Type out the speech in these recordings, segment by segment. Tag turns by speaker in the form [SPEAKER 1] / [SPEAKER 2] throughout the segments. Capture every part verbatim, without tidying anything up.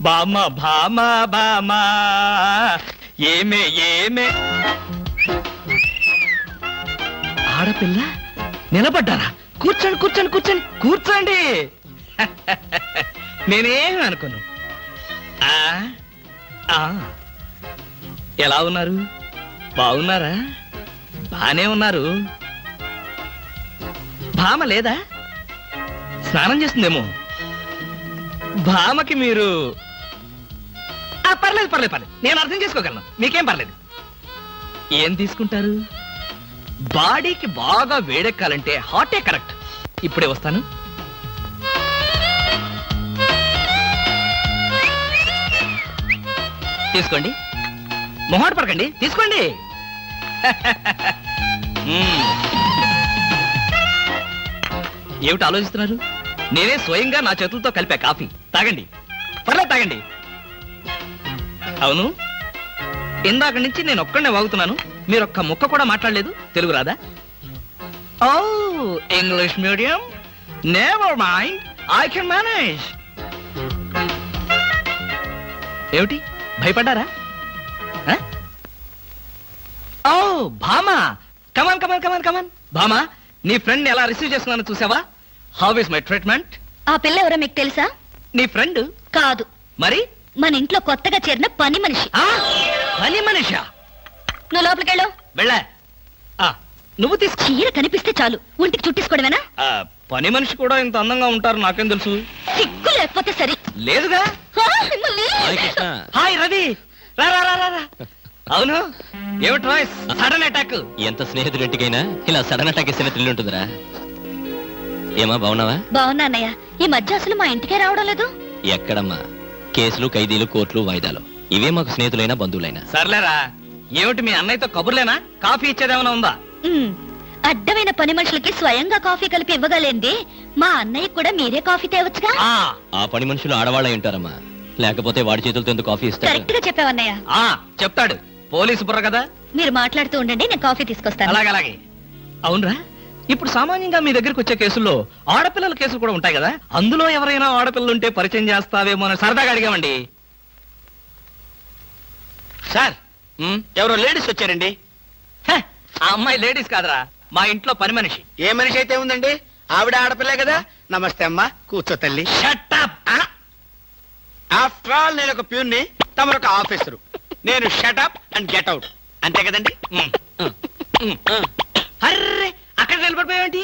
[SPEAKER 1] బామ భామ బామ ఏమే ఏమే ఆడపిల్ల నిలబడ్డారా? కూర్చోండి కూర్చోండి కూర్చోండి కూర్చోండి. నేనేమి అనుకోను. ఆ, ఆ, ఎలా ఉన్నారు? బాగున్నారా? బానే ఉన్నారు. భామ లేదా? స్నానం చేస్తుందేమో. భామకి మీరు పర్లేదు పర్లేదు పర్లేదు నేను అర్థం చేసుకోగలను, మీకేం పర్లేదు. ఏం తీసుకుంటారు? బాడీకి బాగా వేడెక్కాలంటే హాటే కరెక్ట్. ఇప్పుడే వస్తాను. తీసుకోండి, మొహాట పడకండి, తీసుకోండి. ఏమిటి ఆలోచిస్తున్నారు? నేనే స్వయంగా నా చేతులతో కలిపా కాఫీ. తాగండి, పర్లేదు తాగండి. అవును, ఇందాక నుంచి నేను ఒక్కడనే వాగుతున్నాను, మీరు ఒక్క ముక్క కూడా మాట్లాడలేదు. తెలుగు రాదా? ఓ, English medium. Never mind, I can manage. ఏమిటి భయపడ్డారా? ఓ భామా, కమాన్ కమాన్ కమాన్ కమాన్. భామా, నీ ఫ్రెండ్ ఎలా రిసీవ్ చేస్తున్నానో చూసావా? How is my treatment?
[SPEAKER 2] ఆ పిల్ల ఎవరో మీకు తెలుసా?
[SPEAKER 1] నీ ఫ్రెండ్
[SPEAKER 2] కాదు.
[SPEAKER 1] మరి?
[SPEAKER 2] మన ఇంట్లో కొత్తగా చేరిన పని మనిషి.
[SPEAKER 1] పని మనిషా?
[SPEAKER 2] నువ్వు లోపలికెళ్ళు.
[SPEAKER 1] వెళ్ళా. నువ్వు తీసు.
[SPEAKER 2] చీర కనిపిస్తే చాలు ఒంటికి చుట్టేసుకోవడమేనా?
[SPEAKER 1] పని మనిషి కూడా ఇంత అందంగా ఉంటారు నాకేం తెలుసు.
[SPEAKER 2] సిగ్గు లేకపోతే సరే.
[SPEAKER 1] లేదుగా. హాయ్ రవి, రా రా రా రా. అవును, ఏమిటి వాయిస్? Sudden attack.
[SPEAKER 3] ఎంత స్నేహితుడింటికైనా ఇలా సడన్ అటాక్ ఇస్తే థ్రిల్ ఉంటుందిరా. ఏమా బాగున్నావా?
[SPEAKER 2] బాగున్నా అన్నయ్య. ఈ మధ్య అసలు మా ఇంటికే రావడం లేదు.
[SPEAKER 3] ఎక్కడమ్మా, కేసులు, ఖైదీలు, కోర్టులు, వాయిదాలు, ఇవే మాకు స్నేహితులైనా బంధువులైనా.
[SPEAKER 1] సర్లేరా, ఏమిటి మీ అన్నయ్యతో కబుర్లేనా? కాఫీ ఇచ్చేదేమైనా ఉందా?
[SPEAKER 2] అడ్డమైన పని మనుషులకి స్వయంగా కాఫీ కలిపి ఇవ్వగలేంది మా అన్నయ్య కూడా మీరే కాఫీ తేవచ్చుగా.
[SPEAKER 3] ఆ పని మనుషులు ఆడవాళ్ళై ఉంటారమ్మా, లేకపోతే వాడి చేతులతో ఎందుకు కాఫీ ఇస్తారు?
[SPEAKER 2] కరెక్ట్ గా చెప్పావన్నయ్య.
[SPEAKER 1] చెప్తాడు, పోలీసు బుర్ర కదా.
[SPEAKER 2] మీరు మాట్లాడుతూ ఉండండి, నేను కాఫీ తీసుకొస్తాను.
[SPEAKER 1] అలాగే అలాగే. అవునరా, ఇప్పుడు సామాన్యంగా మీ దగ్గరికి వచ్చే కేసుల్లో ఆడపిల్లల కేసులు కూడా ఉంటాయి కదా, అందులో ఎవరైనా ఆడపిల్లలు ఉంటే పరిచయం చేస్తావేమో అని సరదాగా అడిగామండి.
[SPEAKER 4] సార్, ఎవరో లేడీస్ వచ్చారండి.
[SPEAKER 1] ఆ అమ్మాయి లేడీస్ కాదరా, మా ఇంట్లో పని మనిషి.
[SPEAKER 4] ఏ మనిషి అయితే ఉందండి, ఆవిడ ఆడపిల్లే కదా. నమస్తే అమ్మా, కూర్చో తల్లి.
[SPEAKER 1] Shut up.
[SPEAKER 4] ఆఫ్టర్ ఆల్ నేను ఒక ప్యూన్ని, తమరు ఒక ఆఫీసరు. నేను shut up and get out, అంతే కదండి.
[SPEAKER 1] అర్రే, అక్కడ నిలబడిపోయావేంటి?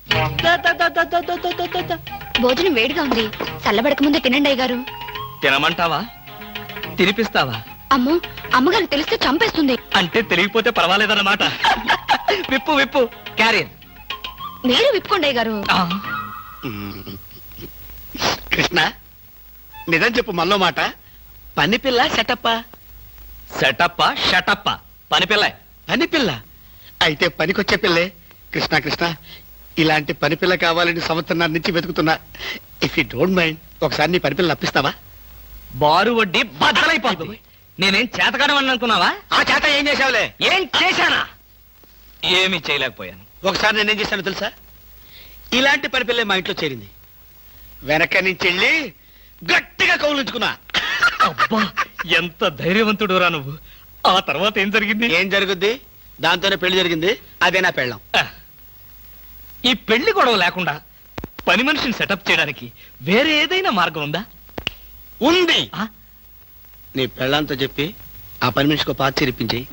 [SPEAKER 2] భోజనం వేడిగా ఉంది, చల్లబడక ముందే తినండి అయ్యగారు.
[SPEAKER 1] తినమంటావా? తినిపిస్తావా?
[SPEAKER 2] అమ్మో, అమ్మగారు తెలిస్తే చంపేస్తుంది.
[SPEAKER 1] అంటే తెలియకపోతే పర్వాలేదన్నమాట. విప్పు విప్పు, క్యారియర్.
[SPEAKER 2] మీరు విప్పుకోండి అయ్యగారు.
[SPEAKER 4] కృష్ణ, నిజం చెప్పు, మల్లో మాట. పని పిల్ల సెటప్ప?
[SPEAKER 1] సెటప్ప షటప్ప, పని పిల్ల.
[SPEAKER 4] పని పిల్ల అయితే పనికొచ్చే పిల్లే. కృష్ణ కృష్ణ, ఇలాంటి పని పిల్ల కావాలని సంవత్సరం నుంచి వెతుకుతున్నా. ఇఫ్ యూ డోంట్ మైండ్, ఒకసారి నీ పని పిల్ల అప్పిస్తావా?
[SPEAKER 1] బారు వడ్డీ బద్దలైపోతుంది. నేనేం చేతకాడమని అనుకున్నావా?
[SPEAKER 4] ఆ చేత ఏం చేసావులే?
[SPEAKER 1] ఏం చేశానా? ఏమీ చేయలేకపోయాను.
[SPEAKER 4] ఒకసారి నేనేం చేశాను తెలుసా? ఇలాంటి పని పిల్లే మా ఇంట్లో చేరింది. వెనక నుంచి వెళ్ళి గట్టిగా కౌలించుకున్నా.
[SPEAKER 1] అబ్బా, ఎంత ధైర్యవంతుడు రా నువ్వు. ఆ తర్వాత ఏం జరిగింది?
[SPEAKER 4] ఏం జరుగుద్ది? దాంతోనే పెళ్లి జరిగింది. అదే నా పెళ్ళం.
[SPEAKER 1] ఈ పెళ్లి గొడవ లేకుండా పని మనిషిని సెటప్ చేయడానికి వేరే ఏదైనా మార్గం ఉందా?
[SPEAKER 4] ఉంది. నీ పెళ్ళంతో చెప్పి ఆ పని మనిషికి పాత చేరిపించేయి.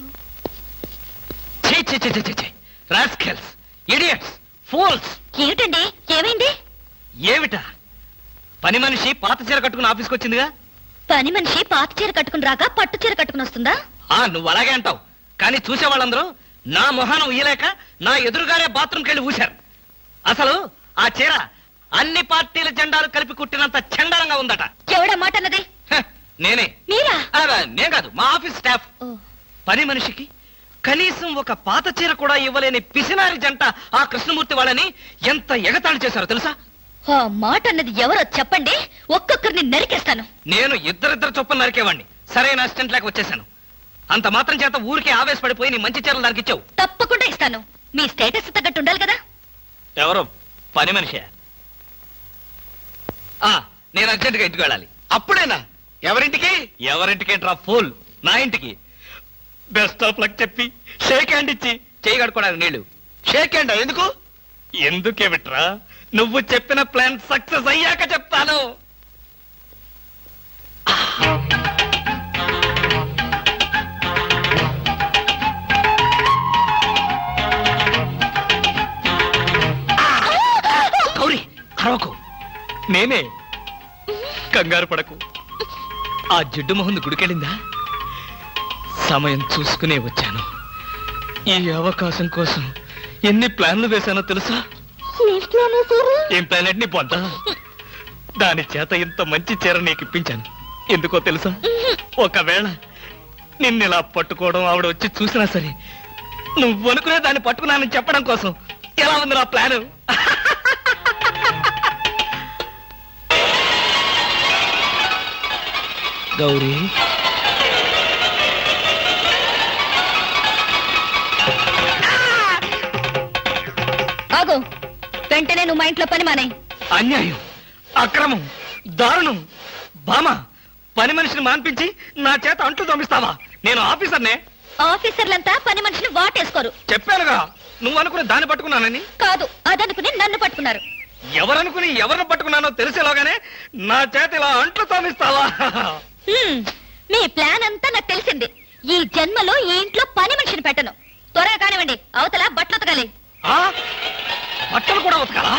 [SPEAKER 2] ఏమిటండి, ఏమైంది?
[SPEAKER 1] ఏమిటా? పని మనిషి పాత చీర కట్టుకుని ఆఫీస్కి వచ్చిందిగా.
[SPEAKER 2] పని మనిషి పాత చీర కట్టుకుని రాక పట్టు చీర కట్టుకుని వస్తుందా?
[SPEAKER 1] ఆ నువ్వు అలాగే అంటావు, కానీ చూసే వాళ్ళందరూ నా మొహానం ఊయలేక నా ఎదురుగానే బాత్రూమ్కి వెళ్ళి ఊశారు. అసలు ఆ చీర అన్ని పార్టీల జెండాలు కలిపి కుట్టినంత చండాలంగా ఉందట.
[SPEAKER 2] ఎవడా మాట అన్నది?
[SPEAKER 1] నేనే.
[SPEAKER 2] మీరా?
[SPEAKER 1] నేను కాదు, మా ఆఫీస్ స్టాఫ్. పని మనిషికి కనీసం ఒక పాత చీర కూడా ఇవ్వలేని పిసినారి జంట ఆ కృష్ణమూర్తి వాళ్ళని ఎంత ఎగతాళి చేశారో తెలుసా?
[SPEAKER 2] ఆ మాట అన్నది ఎవరో చెప్పండి, ఒక్కొక్కరిని నరికేస్తాను.
[SPEAKER 1] నేను ఇద్దరిద్దరు చొప్పున నరికేవాడిని, సరైన అసిస్టెంట్ లేక వచ్చేసాను. అంత మాత్రం చేత ఊరికే ఆవేశపడిపోయి నీ మంచి చీరలు నరికిచ్చావు.
[SPEAKER 2] తప్పకుండా ఇస్తాను, మీ స్టేటస్ తగ్గట్టు ఉండాలి కదా.
[SPEAKER 1] ఎవరో పని మనిషి. నేను అర్జెంటుగా ఇంటికి వెళ్ళాలి.
[SPEAKER 4] అప్పుడేనా? ఎవరింటికి?
[SPEAKER 1] ఎవరింటికేంట్రా ఫూల్? నా ఇంటికి. బెస్ట్ ఆఫ్ లక్ చెప్పి షేక్ హ్యాండ్ ఇచ్చి చేయి కడుకోవడానికి నీళ్లు.
[SPEAKER 4] షేక్ హ్యాండ్ ఎందుకు?
[SPEAKER 1] ఎందుకే బిట్రా, నువ్వు చెప్పిన ప్లాన్ సక్సెస్ అయ్యాక చెప్తాను. గౌరీ అరవకు, నేనే. కంగారు పడకు. ఆ జిడ్డు మొహంది గుడికెళ్ళిందా? సమయం చూసుకునే వచ్చాను. ఈ అవకాశం కోసం ఎన్ని ప్లాన్లు వేశానో తెలుసా? ఏం ప్లాన్ అంటే నీ పొంత? దాని చేత ఇంత మంచి చీర నీకు ఇప్పించాను. ఎందుకో తెలుసా? ఒకవేళ నిన్నిలా పట్టుకోవడం ఆవిడ వచ్చి చూసినా సరే నువ్వు అనుకునే దాన్ని పట్టుకున్నానని చెప్పడం కోసం. ఎలా ఉంది నా ప్లాను? గౌరీ,
[SPEAKER 2] ఆగు. వెంటనే నువ్వు మా ఇంట్లో పని మానే.
[SPEAKER 1] అన్యాయం, అక్రమం, దారుణం. బామ, పని మనిషిని మాన్పించి నా చేత అంట్లు తోమిస్తావా? నేను ఆఫీసర్నే.
[SPEAKER 2] ఆఫీసర్లంతా పని మనిషిని వాటేసుకోరు.
[SPEAKER 1] చెప్పానుగా నువ్వు అనుకునే దాన్ని పట్టుకున్నానని.
[SPEAKER 2] కాదు, అదనుకుని నన్ను పట్టుకున్నారు.
[SPEAKER 1] ఎవరనుకుని ఎవరిని పట్టుకున్నానో తెలిసేలాగానే నా చేత ఇలా అంట్లు తోమిస్తావా?
[SPEAKER 2] హ్మ్, మీ ప్లాన్ అంతా నాకు తెలిసింది. ఈ జన్మలో ఈ ఇంట్లో పని మనిషిని పెట్టను. త్వరగా కానివ్వండి, అవతల బట్టలు ఉతకాలి.
[SPEAKER 1] ఆ? బట్టలు కూడా ఉతకాలా?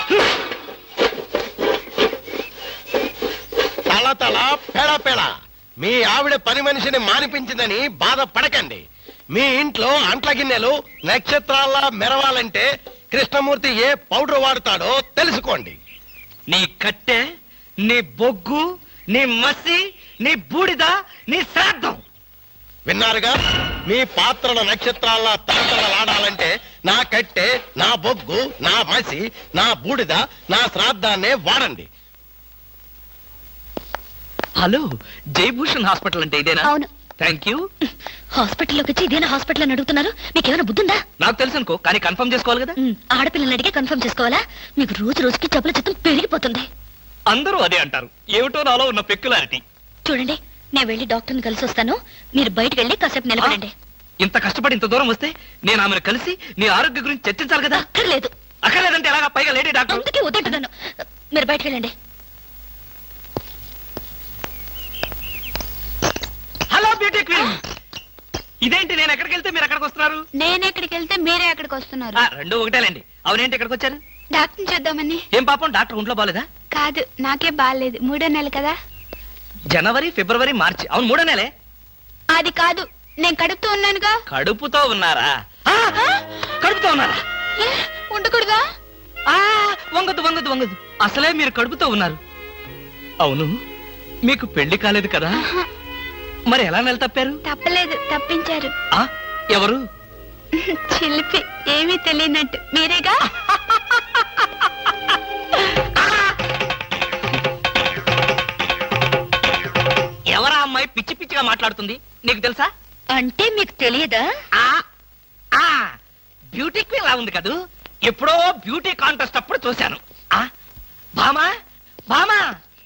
[SPEAKER 5] తల తల పేడ పేడ మీ ఆవిడ పని మనిషిని మానిపించిందని బాధపడకండి. మీ ఇంట్లో అంట్ల గిన్నెలు నక్షత్రాల్లా మెరవాలంటే కృష్ణమూర్తి ఏ పౌడర్ వాడతాడో తెలుసుకోండి.
[SPEAKER 1] నీ కట్టె, నీ బొగ్గు, నీ మసి, నీ బూడిద, నీ శ్రాద్ధం.
[SPEAKER 5] విన్నారుగా? మీ పాత్రల నక్షత్రాల్లా తలతలలాడాలంటే నా కట్టె, నా బొగ్గు, నా మసి, నా బూడిద, నా శ్రాద్ధాన్నే వాడండి.
[SPEAKER 1] హలో, జయభూషణ్ హాస్పిటల్ అంటే ఇదేనా?
[SPEAKER 2] అవును.
[SPEAKER 1] Thank you.
[SPEAKER 2] హాస్పిటల్లోకి వచ్చి ఇదేనా హాస్పిటల్ అని అడుగుతున్నారు? మీకేమైనా బుద్ధుందా?
[SPEAKER 1] నాకు తెలుసు అనుకో, కానీ కన్ఫర్మ్ చేసుకోవాలి కదా.
[SPEAKER 2] ఉమ్, ఆడపిల్లల్ని అడిగే కన్ఫర్మ్ చేసుకోవాలా? మీకు రోజు రోజుకి జబ్బుల చిత్తం పెరిగిపోతుంది.
[SPEAKER 1] అందరూ అదే అంటారు. ఏమిటో నాలో ఉన్న పెక్యులారిటీ.
[SPEAKER 2] చూడండి, నేను వెళ్ళి డాక్టర్ని కలిసి వస్తాను. మీరు బయటకు వెళ్ళి కాసేపు నిలబడండి.
[SPEAKER 1] ఇంత కష్టపడి ఇంత దూరం వస్తే నేను ఆమెను కలిసి నీ ఆరోగ్య గురించి చర్చించాలి కదా.
[SPEAKER 2] అక్కర్లేదు.
[SPEAKER 1] అక్కర్లేదంటే ఎలాగా? పైగా లేడీ డాక్టర్.
[SPEAKER 2] అందుకే వద్దంటున్నాను. మీరు బయటకు వెళ్ళండి.
[SPEAKER 1] హలో బ్యూటీ క్వీన్, ఇదేంటి నేను ఎక్కడికి వెళ్తే మీరు ఎక్కడికి వస్తున్నారు?
[SPEAKER 6] నేను ఎక్కడికి వెళ్తే మీరే ఎక్కడికి వస్తున్నారు.
[SPEAKER 1] ఆ, రెండు ఒకటేలేండి. అవునేంటి ఎక్కడికి వచ్చారు?
[SPEAKER 6] డాక్టర్ చూద్దామని.
[SPEAKER 1] ఏం పాపం, డాక్టర్ ఒంట్లో బాలేదా?
[SPEAKER 6] కాదు, నాకే బాగాలేదు. మూడో నెల కదా.
[SPEAKER 1] జనవరి, ఫిబ్రవరి, మార్చి. అవును, మూడో నెలే.
[SPEAKER 6] అది కాదు, నేను కడుపుతూ ఉన్నానుగా.
[SPEAKER 1] కడుపుతో ఉన్నారా? ఆ, కడుపుతో ఉన్నారా?
[SPEAKER 6] ఏ, ఉండకూడదా?
[SPEAKER 1] ఆ, వంగదు వంగదు వంగదు. అసలే మీరు కడుపుతో ఉన్నారు. అవును, మీకు పెళ్లి కాలేదు కదా? మరి ఎలా నెల తప్పారు?
[SPEAKER 6] తప్పలేదు, తప్పించారు.
[SPEAKER 1] ఆ, ఎవరు?
[SPEAKER 6] చిలిపి, ఏమీ తెలియనట్టు. మీరేగా?
[SPEAKER 1] ఎవరా అమ్మాయి పిచ్చి పిచ్చిగా మాట్లాడుతుంది? నీకు తెలుసా?
[SPEAKER 2] అంటే మీకు తెలియదా?
[SPEAKER 1] ఆ, ఆ, బ్యూటీ క్వీన్ లా ఉంది కదూ. ఎప్పుడో బ్యూటీ కాంటెస్ట్ అప్పుడు చూశాను. ఆ, భామా భామా.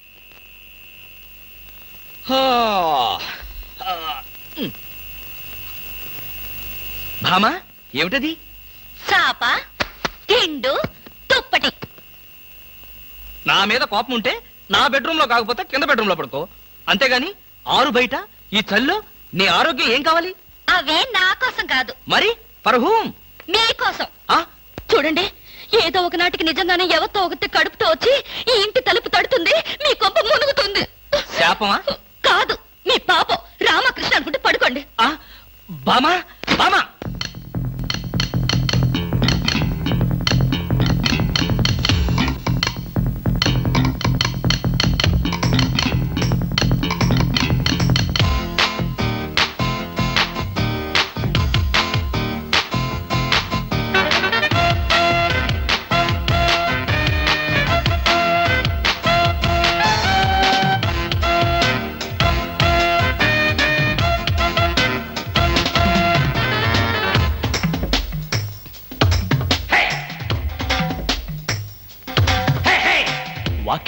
[SPEAKER 1] హో, ఆ, ఉమ్. భామా, ఏమిటది?
[SPEAKER 2] చాప, తిండు, తుప్పటి.
[SPEAKER 1] నా మీద కోపం ఉంటే నా బెడ్రూమ్ లో కాకపోతే కింద బెడ్రూమ్ లో పడుకో. అంతేగాని ఆరు బయట ఈ చల్లో నీ ఆరోగ్యం ఏం కావాలి?
[SPEAKER 2] అవే నా కోసం కాదు,
[SPEAKER 1] మరి ఫర్ హూమ్?
[SPEAKER 2] మీకోసం.
[SPEAKER 1] ఆ,
[SPEAKER 2] చూడండి, ఏదో ఒక నాటికి నిజంగానే ఎవరితో ఒకటి కడుపుతో వచ్చి ఈ ఇంటి తలుపు తడుతుంది, మీ కొంప మునుగుతుంది.
[SPEAKER 1] శాపమా?
[SPEAKER 2] కాదు, మీ పాపం. రామకృష్ణ అనుకుంటే పడుకోండి.
[SPEAKER 1] ఆ, బామా బామా.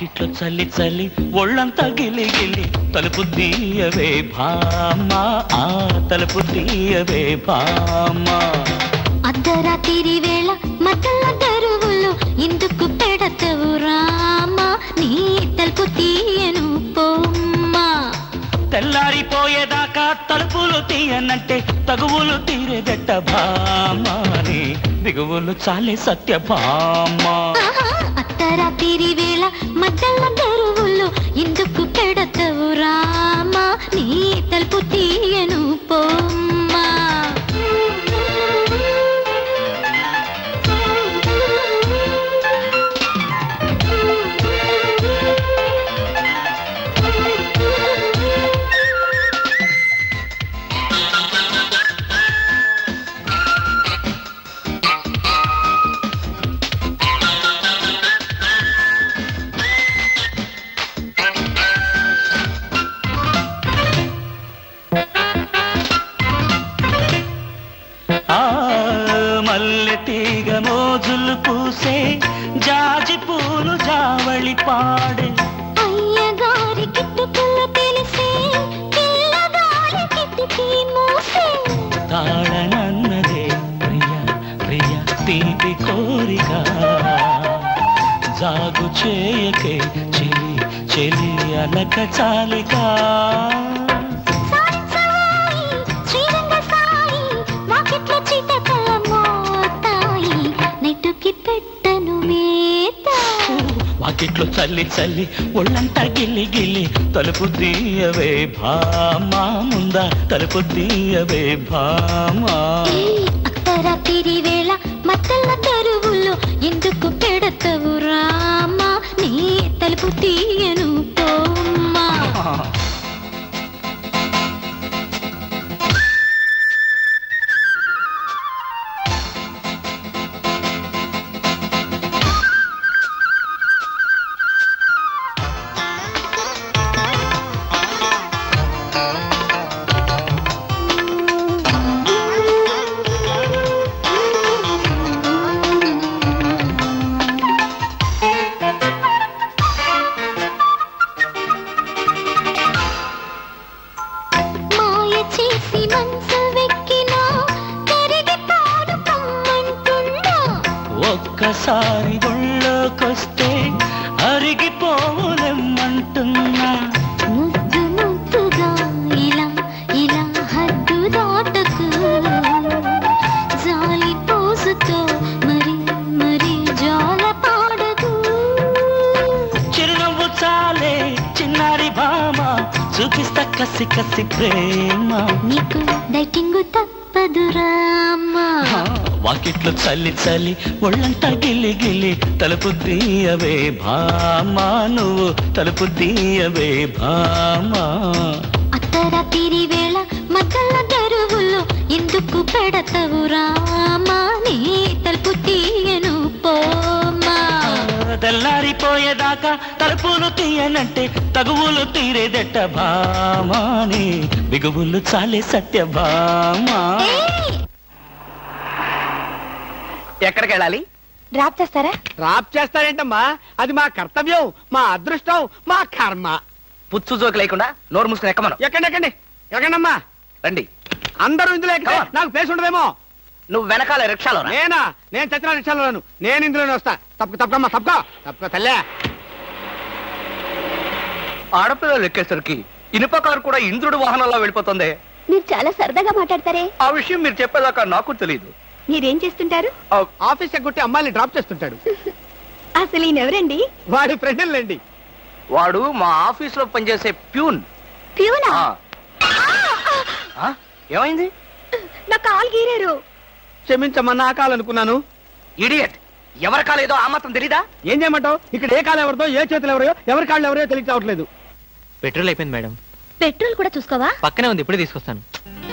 [SPEAKER 1] వాకిట్లో చల్లి చల్లి ఒళ్ళంతా గిలి గిలి తలుపు తీయవే భామ ఆ తలుపు తీయవే భామ
[SPEAKER 2] అర్ధరాత్రి వేళ మధ్యల దరువులు ఎందుకు పెడతవు రామా నీ తలుపు తీయను పోమ్మా
[SPEAKER 1] తెల్లారిపోయేదాకా తలుపులు తీయనంటే తగువులు తీరేదెట్ట భామాని దిగువులు చాలే సత్య భామ
[SPEAKER 2] అర్ధరాత్రి వేళ మధ్యల దరువులు ఎందుకు పెడతవు రామా నీ తలుపు తీయను పోమ్మా
[SPEAKER 1] మల్లె తీగ మోజులు పూసే జాజి పూలు జావళి పాడే
[SPEAKER 2] అయ్యగారి కిట్టుకులు తెలిసే పిల్లగారి కిట్టుకి మూసే
[SPEAKER 1] తాళనన్నదే ప్రియ ప్రియ తీపి కోరిక జాగు చేయకే చెలి చెలి అలక చాలిక వాకిట్లో చల్లి చల్లి ఒళ్ళంతా గిల్లి గిల్లి తలుపు తీయవే భామా ముందా తలుపు తీయవే భామా
[SPEAKER 2] అర్ధరాత్రి వేళ మత్తల తరువులో ఎందుకు పెడతవు రామా నీ తలుపు తీయను పోమ్మా
[SPEAKER 1] ఒక్కసారి గుళ్ళోకొస్తే అరిగిపోవులెమ్మంటున్నా
[SPEAKER 2] ముద్దు ముద్దుగా ఇలా ఇలా హద్దు దాటకు జాలి పోసుతో మరి మరి జాల పాడదు
[SPEAKER 1] చిరునవ్వు చాలే చిన్నారి భామ చూపిస్తా కసి కసి ప్రేమ
[SPEAKER 2] నీకు డైటింగ్ తప్పదు రామా
[SPEAKER 1] వాకిట్లో చల్లి చల్లి ఒళ్ళంతా గిల్లి గిల్లి తలుపు తీయవే భామా నువ్వు తలుపు తీయవే భామా
[SPEAKER 2] అర్ధరాత్రి వేళ మధ్యల దరువులు ఎందుకు పెడతవు రామా నీ తలుపు తీయను పోమ్మా
[SPEAKER 1] తెల్లారిపోయేదాకా తలుపులు తీయనంటే తగువులు తీరేదెట్ట భామాని బిగువులు చాలే సత్య భామా
[SPEAKER 7] ఎక్కడికి వెళ్ళాలి?
[SPEAKER 6] డ్రాప్ చేస్తారా?
[SPEAKER 4] డ్రాప్ చేస్తారేంటమ్మా అది మా కర్తవ్యం మా అదృష్టం మా కర్మ
[SPEAKER 7] పుచ్చు జోకి లేకుండా నోరు మూసుకుని ఎక్కమను.
[SPEAKER 4] ఎక్కండి ఎక్కండి ఎక్కండమ్మా
[SPEAKER 7] రండి.
[SPEAKER 4] అందరూ ఇందులో ఎక్కితే
[SPEAKER 7] Come on.
[SPEAKER 4] నాకు ప్లేస్ ఉండదేమో.
[SPEAKER 7] నువ్వు వెనకాల రిక్షాలో రా.
[SPEAKER 4] నేనా నేను చచ్చిన రిక్షాలోను నేను ఇందులోనే వస్తా. తప్పక తప్పకమ్మా తప్పక తప్పక తల్లే.
[SPEAKER 7] ఆడపిల్లలు ఎక్కేసరికి ఇనుప కారు కూడా ఇంద్రుడు వాహనంలో వెళ్ళిపోతుంది.
[SPEAKER 6] మీరు చాలా సరదాగా మాట్లాడతారే.
[SPEAKER 7] ఆ విషయం మీరు చెప్పేదాకా నాకు తెలియదు.
[SPEAKER 6] మీరేం చేస్తుంటారు?
[SPEAKER 4] ఆఫీస్ ఎగ్గొట్టి అమ్మాయిని డ్రాప్ చేస్తుంటాడు.
[SPEAKER 6] అసలు ఈయనెవరండి?
[SPEAKER 4] వాడి ఫ్రెండ్లండి.
[SPEAKER 7] వాడు మా ఆఫీస్ లో పనిచేసే ప్యూన్.
[SPEAKER 6] ప్యూనా?
[SPEAKER 7] ఆ. ఆ? ఏమైంది?
[SPEAKER 6] నా కాలు గీరారు.
[SPEAKER 4] క్షమించమ్మా నా కాలనుకున్నాను.
[SPEAKER 7] ఇడియట్. ఎవరి కాలేదో ఆ మాత్రం తెలీదా?
[SPEAKER 4] ఏం చేయమంటావు? ఇక్కడ ఏ కాలు ఎవరిదో ఏ చేతులు ఎవరో ఎవరి కాళ్ళు ఎవరో తెలిసి రావట్లేదు.
[SPEAKER 3] పెట్రోల్ అయిపోయింది మేడం.
[SPEAKER 2] పెట్రోల్ కూడా చూసుకోవా?
[SPEAKER 3] పక్కనే ఉంది, ఇప్పుడే తీసుకొస్తాను.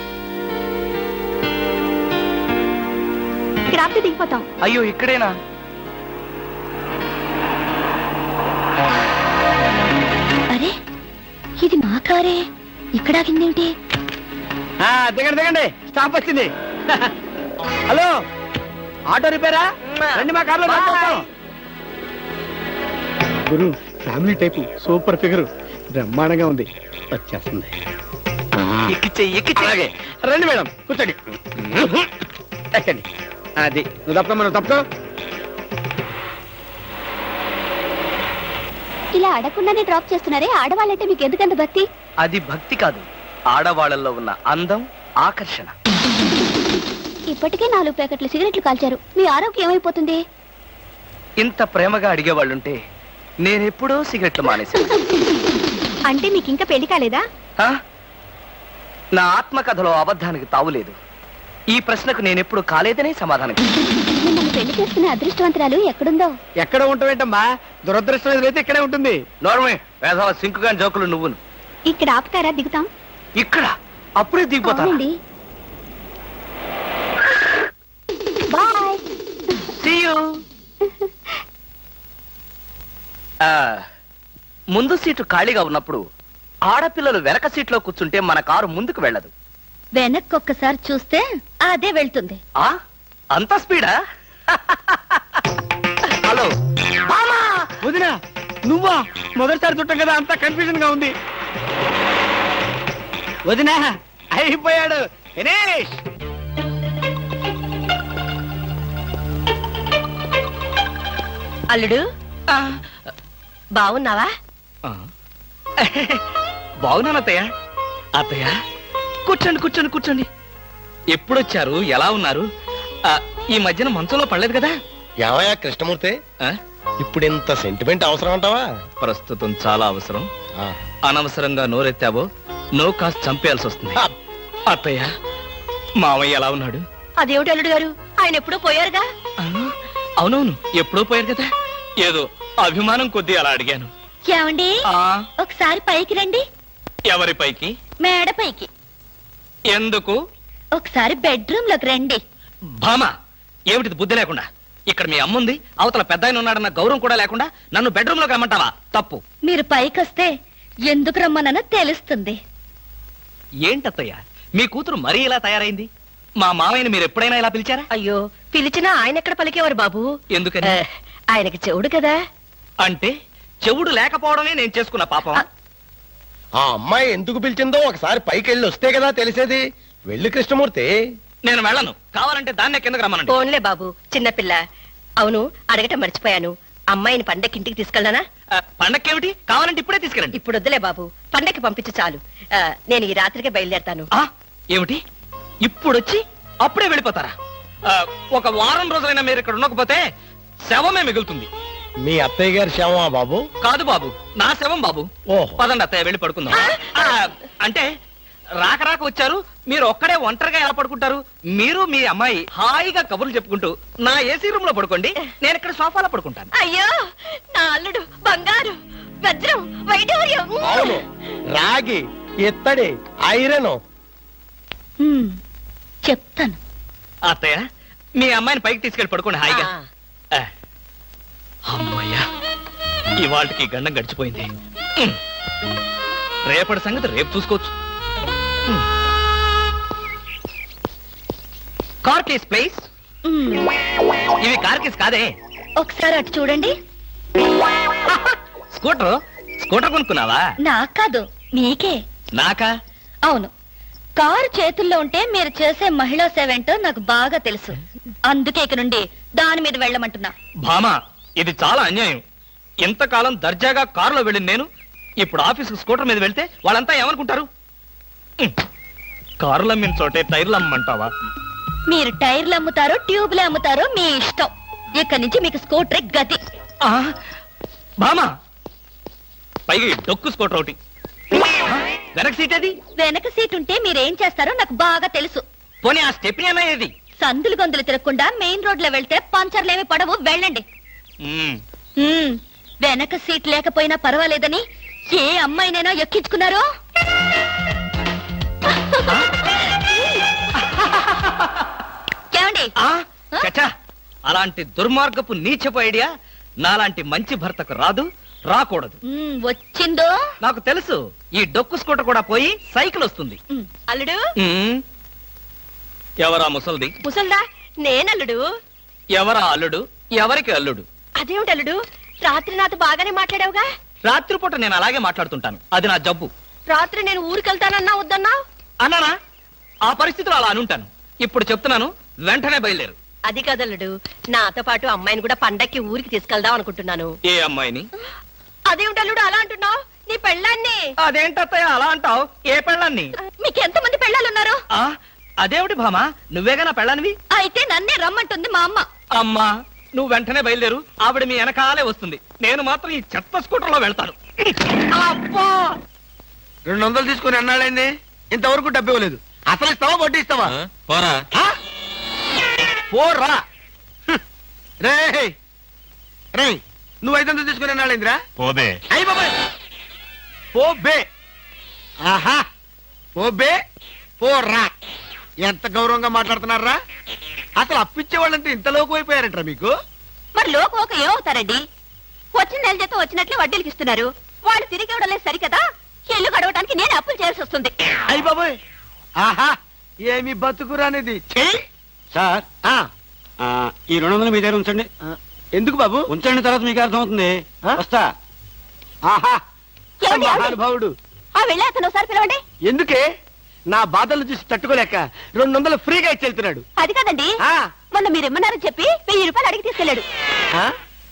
[SPEAKER 6] ఇక్కడ ఆపితే దిగిపోతాం.
[SPEAKER 7] అయ్యో ఇక్కడేనా?
[SPEAKER 2] అరే ఇది మా కారే, ఇక్కడ ఆగిందేమిటి?
[SPEAKER 4] ఆ, దిగండి దిగండి స్టాప్ వచ్చింది. హలో ఆటో రిపేరా? రండి మా కార్లో డ్రాప్ చేస్తాం. గురు ఫ్యామిలీ టైపు సూపర్ ఫిగర్ బ్రహ్మాండంగా ఉంది వచ్చేస్తుంది
[SPEAKER 7] ఎక్కిచ్చే ఎక్కిచ్చే
[SPEAKER 4] అలాగే రండి మేడం కూర్చోండి ఎక్కండి అది నువ్వు తప్ప మనం తప్ప
[SPEAKER 6] ఇలా అడగకుండానే డ్రాప్ చేస్తున్నారే ఆడవాళ్ళంటే మీకు ఎందుకంత భక్తి
[SPEAKER 7] అది భక్తి కాదు, ఆడవాళ్ళల్లో ఉన్న అందం, ఆకర్షణ.
[SPEAKER 6] ఇప్పటికే నాలుగు ప్యాకెట్లు సిగరెట్లు కాల్చారు మీ ఆరోగ్యం ఏమైపోతుంది
[SPEAKER 7] ఇంత ప్రేమగా అడిగేవాళ్ళుంటే నేనెప్పుడో సిగరెట్లు మానేశాను.
[SPEAKER 6] అంటే మీకు ఇంకా పెళ్లి కాలేదా
[SPEAKER 7] ఆ? నా ఆత్మకథలో అబద్ధానికి తావులేదు. ఈ ప్రశ్నకు నేనెప్పుడు కాలేదనే సమాధానం ఇచ్చాను.
[SPEAKER 6] మిమ్మల్ని పెళ్లి చేసుకునే అదృష్టవంతురాలు ఎక్కడుందో
[SPEAKER 4] ఎక్కడ ఉంటావేంటమ్మా దురదృష్టం ఎదురైతే ఇక్కడే ఉంటుంది
[SPEAKER 7] నోర్మే వేసవ సింకుగా జోకులు నువ్వును.
[SPEAKER 6] ఇక్కడ ఆపుతారా దిగుతాం
[SPEAKER 7] ఇక్కడ అప్పుడే దిగిపోతాను.
[SPEAKER 6] అవునండి బాయ్
[SPEAKER 7] See you. ఆ, ముందు సీటు ఖాళీగా ఉన్నప్పుడు ఆడపిల్లలు వెనక సీట్లో కూర్చుంటే మన కారు ముందుకు వెళ్ళదు.
[SPEAKER 2] వెనక్కి ఒక్కసారి చూస్తే అదే వెళ్తుంది.
[SPEAKER 7] ఆ అంత స్పీడా? హలో మామా!
[SPEAKER 4] వదినా నువ్వా మొదటిసారి చుట్టం కదా అంతా కన్ఫ్యూజన్ గా ఉంది వదినా అయిపోయాడు దినేష్
[SPEAKER 2] అల్లుడు బాగున్నావా?
[SPEAKER 1] ఆ. బాగున్నాను అత్తయ్య. అత్తయ్య కూర్చోండి కూర్చోండి కూర్చోండి. ఎప్పుడొచ్చారు? ఎలా ఉన్నారు? ఆ, ఈ మధ్యన మంచంలో పడలేదు కదా?
[SPEAKER 5] ఏమయ్యా కృష్ణమూర్తి,
[SPEAKER 1] ఆ?
[SPEAKER 5] ఇప్పుడు ఇంత సెంటిమెంట్ అవసరం అంటావా?
[SPEAKER 1] ప్రస్తుతం చాలా అవసరం.
[SPEAKER 5] ఆ.
[SPEAKER 1] అనవసరంగా నోరెత్తావో నో కాస్త చంపేయాల్సి వస్తుంది.
[SPEAKER 5] ఆ.
[SPEAKER 1] అత్తయ్య మామయ్య ఎలా ఉన్నాడు?
[SPEAKER 2] అదేమిటి అల్లుడు గారు, ఆయన ఎప్పుడూ పోయారుగా.
[SPEAKER 1] ఆ, అవునవును ఎప్పుడో పోయారు కదా. ఏదో అభిమానం కొద్దీ అలా అడిగాను.
[SPEAKER 2] ఏమండి
[SPEAKER 1] ఆ
[SPEAKER 2] ఒకసారి పైకి రండి.
[SPEAKER 1] ఎవరి పైకి?
[SPEAKER 2] మేడ పైకి.
[SPEAKER 1] ఎందుకు?
[SPEAKER 2] ఒకసారి బెడ్రూమ్ లోకి రండి.
[SPEAKER 1] భామ ఏమిటిది బుద్ధి లేకుండా? ఇక్కడ మీ అమ్ముంది, అవతల పెద్ద ఆయన ఉన్నాడన్న గౌరవం కూడా లేకుండా నన్ను బెడ్రూమ్ లోకి రమ్మంటావా? తప్పు.
[SPEAKER 2] మీరు పైకి వస్తే ఎందుకు రమ్మనో తెలుస్తుంది.
[SPEAKER 1] ఏంటత్తయ్య మీ కూతురు మరీ ఇలా తయారైంది? మా మామయ్యని మీరు ఎప్పుడైనా ఇలా పిలిచారా?
[SPEAKER 2] అయ్యో పిలిచినా ఆయన ఎక్కడ పలికేవారు బాబు.
[SPEAKER 1] ఎందుకని?
[SPEAKER 2] ఆయనకి చెవుడు కదా.
[SPEAKER 1] అంటే చెవుడు లేకపోవడమే నేను చేసుకున్న పాపం.
[SPEAKER 5] ఆ అమ్మాయి ఎందుకు పిలిచిందో ఒకసారి పైకి వెళ్ళి వస్తే కదా తెలిసేది. వెళ్ళి కృష్ణమూర్తి.
[SPEAKER 1] నేను వెళ్ళను. కావాలంటే దాన్నే కిందకు రమ్మనండి.
[SPEAKER 8] ఫోన్లే బాబు, చిన్నపిల్ల. అవును, అడగటం మర్చిపోయాను. అమ్మాయిని పండక్కి ఇంటికి తీసుకెళ్ళనా?
[SPEAKER 1] ఆ, పండక్కేమిటి? కావాలంటే ఇప్పుడే తీసుకెళ్ళండి.
[SPEAKER 8] ఇప్పుడు వద్దులే బాబు, పండక్కి పంపించు చాలు. ఆ, నేను ఈ రాత్రికే బయలుదేరతాను.
[SPEAKER 1] ఆ, ఏమిటి ఇప్పుడొచ్చి అప్పుడే వెళ్ళిపోతారా? ఆ, ఒక వారం రోజులైనా మీరు ఇక్కడ ఉండకపోతే శవమే మిగులుతుంది.
[SPEAKER 5] మీ అత్తయ్య గారి శవమా బాబు?
[SPEAKER 1] కాదు బాబు, నా శవం బాబు.
[SPEAKER 5] ఓహో.
[SPEAKER 1] పదండి అత్తయ్య వెళ్ళి పడుకుందాం. ఆ, అంటే రాక రాక వచ్చారు, మీరు ఒక్కడే ఒంటరిగా ఎలా పడుకుంటారు? మీరు మీ అమ్మాయి హాయిగా కబుర్లు చెప్పుకుంటూ నా ఏసీ రూమ్ లో పడుకోండి, నేను ఇక్కడ సోఫాలో పడుకుంటాను.
[SPEAKER 8] అయ్యో, నా అల్లుడు బంగారు, వజ్రం, వైఢూర్యం.
[SPEAKER 5] అవును, రాగి, ఇత్తడి, ఐరన్.
[SPEAKER 2] హ్మ్, చెప్తాను.
[SPEAKER 1] అత్తయ్య మీ అమ్మాయిని పైకి తీసుకెళ్ళి పడుకోండి హాయిగా.
[SPEAKER 8] ఆ.
[SPEAKER 1] ఆ, అమ్మయ్యా ఇవాళకి గండం గడిచిపోయింది. ఉమ్. రేపటి సంగతి రేపు చూసుకోవచ్చు. ఉమ్. Car case please.
[SPEAKER 2] హ్మ్,
[SPEAKER 1] ఇవి కార్ కేస్ కాదే,
[SPEAKER 2] ఒకసారి అటు చూడండి.
[SPEAKER 1] స్కూటర్. స్కూటర్ కొనుక్కున్నావా?
[SPEAKER 2] నాకు కాదు, మీకే.
[SPEAKER 1] నాకా?
[SPEAKER 2] అవును, కారు చేతుల్లో ఉంటే మీరు చేసే మహిళా సేవ ఏంటో నాకు బాగా తెలుసు. అందుకే ఇక నుండి దాని మీద వెళ్ళమంటున్నా.
[SPEAKER 1] భామా ఇది చాలా అన్యాయం. ఇంతకాలం దర్జాగా కారులో వెళ్ళింది నేను, ఇప్పుడు ఆఫీసు స్కూటర్ మీద వెళ్తే వాళ్ళంతా ఏమనుకుంటారు? ఉమ్. కారులు అమ్మిన చోటే టైర్లు అమ్మంటావా?
[SPEAKER 2] మీరు టైర్లు అమ్ముతారో ట్యూబ్లు అమ్ముతారో మీ ఇష్టం. ఇక్కడి నుంచి మీకు స్కూటర్ గతి.
[SPEAKER 1] ఆ, భామా పైగా ఈ డొక్కు స్కూటర్ ఒకటి. ఆ, వెనక సీట్ అది.
[SPEAKER 2] వెనక సీట్ ఉంటే మీరేం చేస్తారో నాకు బాగా తెలుసు.
[SPEAKER 1] పోనీ ఆ స్టెప్ని అన్నా ఏది?
[SPEAKER 2] సందులు గొంతులు తిరగకుండా మెయిన్ రోడ్ లో వెళ్తే పంచర్లేమి పడవు, వెళ్ళండి.
[SPEAKER 1] ఉమ్.
[SPEAKER 2] హ్మ్, వెనక సీట్ లేకపోయినా పర్వాలేదని ఏ అమ్మాయినైనా ఎక్కించుకున్నారో? ఏమండి?
[SPEAKER 1] ఆ, చచ్చా, అలాంటి దుర్మార్గపు నీచపు ఐడియా నాలాంటి మంచి భర్తకు రాదు, రాకూడదు.
[SPEAKER 2] హ్మ్, వచ్చిందో?
[SPEAKER 1] నాకు తెలుసు, ఈ డొక్కు స్కూటర్ కూడా పోయి సైకిల్ వస్తుంది.
[SPEAKER 2] హ్మ్,
[SPEAKER 8] అల్లుడు,
[SPEAKER 1] ఉమ్. ఎవరా ముసల్ది?
[SPEAKER 8] ముసల్దా? నేనల్లుడు.
[SPEAKER 1] ఎవరా అల్లుడు? ఎవరికి అల్లుడు?
[SPEAKER 8] అదేమిటి అల్లుడు, రాత్రి నాతో బాగానే మాట్లాడావుగా?
[SPEAKER 1] రాత్రిపూట నేను అలాగే మాట్లాడుతుంటాను, అది నా జబ్బు.
[SPEAKER 8] రాత్రి నేను ఊరికెళ్తానన్నా వద్దన్నా
[SPEAKER 1] అన్నానా? ఆ పరిస్థితిలో అలా అనుంటాను. ఇప్పుడు చెప్తున్నాను, వెంటనే బయలుదేరు.
[SPEAKER 8] అది కదలుడు, నాతో పాటు అమ్మాయిని కూడా పండక్కి ఊరికి తీసుకెళ్దాం అనుకుంటున్నాను.
[SPEAKER 1] ఏ అమ్మాయిని?
[SPEAKER 8] అదేమిటల్లుడు అలా అంటున్నావు? నీ పెళ్ళాన్ని.
[SPEAKER 1] అదేంటత్తయ్య అలా అంటావు? ఏ పెళ్ళాన్ని?
[SPEAKER 2] మీకు ఎంతమంది పెళ్ళాలున్నారు?
[SPEAKER 1] ఆ, అదేమిటి భామా, నువ్వేగా నా పెళ్ళానివి?
[SPEAKER 2] అయితే నన్నే రమ్మంటుంది మా అమ్మ.
[SPEAKER 1] అమ్మా, నువ్వు వెంటనే బయలుదేరు, ఆవిడ మీ వెనకాలే వస్తుంది. నేను మాత్రం ఈ చెత్త స్కూటర్ లో వెళ్తాను.
[SPEAKER 4] అబ్బా రెండు వందలు తీసుకుని అన్నాడండి, ఇంతవరకు డబ్బు ఇవ్వలేదు. అసలు ఇస్తావా వడ్డీ ఇస్తావా?
[SPEAKER 3] పోరా.
[SPEAKER 4] ఆ? పోరా హ్మ్. రేయ్ రేయ్ నువ్వు ఐదు వందలు తీసుకుని అన్నాడేంద్రా?
[SPEAKER 5] పోదే
[SPEAKER 4] అయ్యి బాబాయ్, పో బే. ఆహా, పో బే, పోరా. ఎంత గౌరవంగా మాట్లాడుతున్నారా? అసలు అప్పిచ్చే వాళ్ళంటే ఇంత లోకు అయిపోయారంటారా మీకు?
[SPEAKER 2] మరి లోకం ఒక ఏమవుతారండి? వచ్చిన నెల జీతం వచ్చినట్లే వడ్డీలకి ఇస్తున్నారు. వాళ్ళు తిరిగి ఇవ్వడం లేదు సరికదా, ఇల్లు గడవడానికి నేను అప్పులు చేయాల్సి వస్తుంది.
[SPEAKER 4] అయ్యి బాబాయ్, ఆహా ఏమి బతుకురానిది. చెయ్యి
[SPEAKER 9] సార్
[SPEAKER 4] ఆ,
[SPEAKER 9] ఆ, ఈ రెండు వందలు మీ దగ్గర ఉంచండి.
[SPEAKER 4] ఎందుకు బాబు?
[SPEAKER 9] ఉంచండి, తర్వాత మీకు అర్థమవుతుంది.
[SPEAKER 4] ఆ?
[SPEAKER 9] వస్తా.
[SPEAKER 4] ఆహా,
[SPEAKER 2] ఏమండి, ఏమండి?
[SPEAKER 4] మహానుభావుడు.
[SPEAKER 2] ఆ వెళ్ళి అతను ఒకసారి పిలవండి.
[SPEAKER 4] ఎందుకే? నా బాధలు చూసి తట్టుకోలేక రెండు వందలు ఫ్రీగా ఇచ్చి వెళ్తున్నాడు.
[SPEAKER 2] అది కాదండి,
[SPEAKER 4] ఆ,
[SPEAKER 2] మొన్న మీరు ఇమ్మన్నారని చెప్పి వెయ్యి రూపాయలు అడిగి తీసుకెళ్ళాడు.
[SPEAKER 4] ఆ?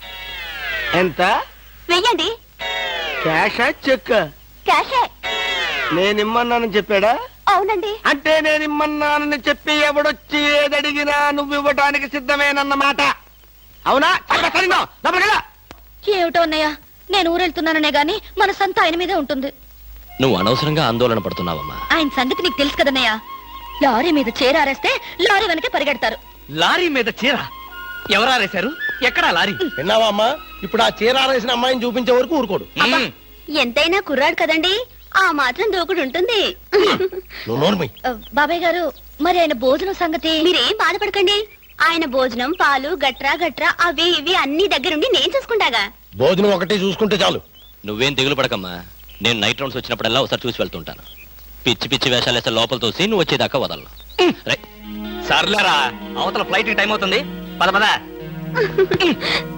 [SPEAKER 4] ఎంత?
[SPEAKER 2] వెయ్యండి.
[SPEAKER 4] క్యాషా చెక్?
[SPEAKER 2] క్యాషే.
[SPEAKER 4] నేను ఇమ్మన్నానని చెప్పాడా?
[SPEAKER 2] అవునండి.
[SPEAKER 4] అంటే నేను ఇమ్మన్నానని చెప్పి ఎవడొచ్చి ఏదడిగినా నువ్వు ఇవ్వడానికి సిద్ధమేనన్నమాట. అవునా? చక్కగా సరిగ్గా, లోపలికి వెళ్ళు.
[SPEAKER 2] ఏమిటో అన్నయ్య, నేను ఊరెళ్తున్నాననే గాని మనసంతా ఆయన మీదే ఉంటుంది.
[SPEAKER 3] నువ్వు అనవసరంగా ఆందోళన పడుతున్నావమ్మా.
[SPEAKER 2] ఆయన సంగతి నీకు తెలుసు కదన్నయ్య. లారీ మీద చేరారేస్తే లారీ వెనకే పరిగెడతారు.
[SPEAKER 1] లారీ మీద చీర ఎవరారేశారు? ఎక్కడా లారీ?
[SPEAKER 5] విన్నావా అమ్మా? ఇప్పుడు ఆ చీరారేసిన అమ్మాయిని చూపించే వరకు ఊరుకోడు.
[SPEAKER 1] మ్మ్.
[SPEAKER 2] ఎంతైనా కుర్రాడు కదండి, ఆ మాత్రం దూకుడు ఉంటుంది.
[SPEAKER 5] నువ్వు నోర్మి.
[SPEAKER 2] బాబాయ్ గారు, మరి ఆయన భోజనం సంగతి? మీరేం బాధపడకండి, ఆయన భోజనం పాలు గట్రా గట్రా అవి ఇవి అన్ని దగ్గరుండి నేను చూసుకుంటాగా.
[SPEAKER 5] భోజనం ఒకటి చూసుకుంటే చాలు.
[SPEAKER 3] నువ్వేం దిగులు పడకమ్మా, నేను నైట్ రౌండ్స్ వచ్చినప్పుడల్లా ఒకసారి చూసి వెళ్తుంటాను. పిచ్చి పిచ్చి వేషాలు వేస్తే లోపల తోసి నువ్వు వచ్చేదాకా వదలను. రైట్.
[SPEAKER 1] సర్లేరా, అవతల ఫ్లైట్ టైం అవుతుంది, పద పద.